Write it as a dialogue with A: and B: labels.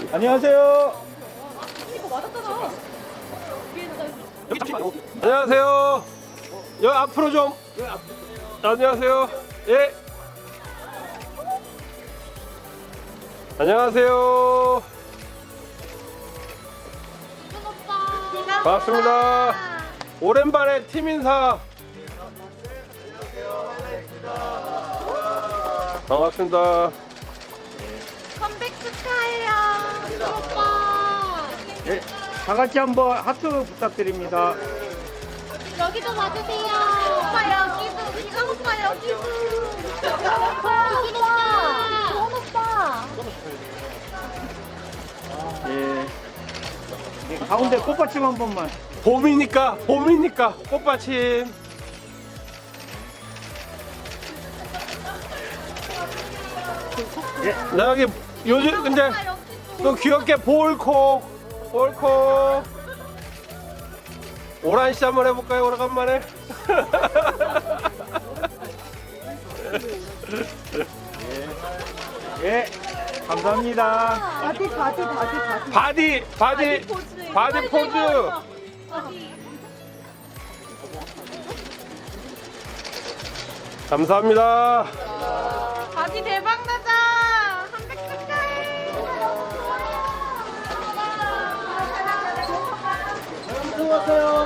A: 안녕하세요.
B: 이거 맞았잖아.
C: 안녕하세요. 여기 앞으로 좀. 안녕하세요. 예. 안녕하세요. 반갑습니다. 오랜만에 팀 인사. 반갑습니다.
B: 컴백 축하해요. 오빠.
A: 네, 다 같이 한번 하트 부탁드립니다.
B: 여기도 봐주세요. 오빠 여기도. 기광 오빠 여기도. 기광 오빠. 기광 오빠.
A: 예. 네, 가운데 꽃받침 한 번만.
C: 봄이니까 꽃받침.
A: 예.
C: 나 여기 요즘 근데 또 귀엽게 볼콕 오란씨 한번 해볼까요? 오래간만에.
A: 예. 감사합니다.
C: 바디 포즈. 감사합니다.
B: 바지 대박 나자. 컴백 축하해.
A: 수고하세요.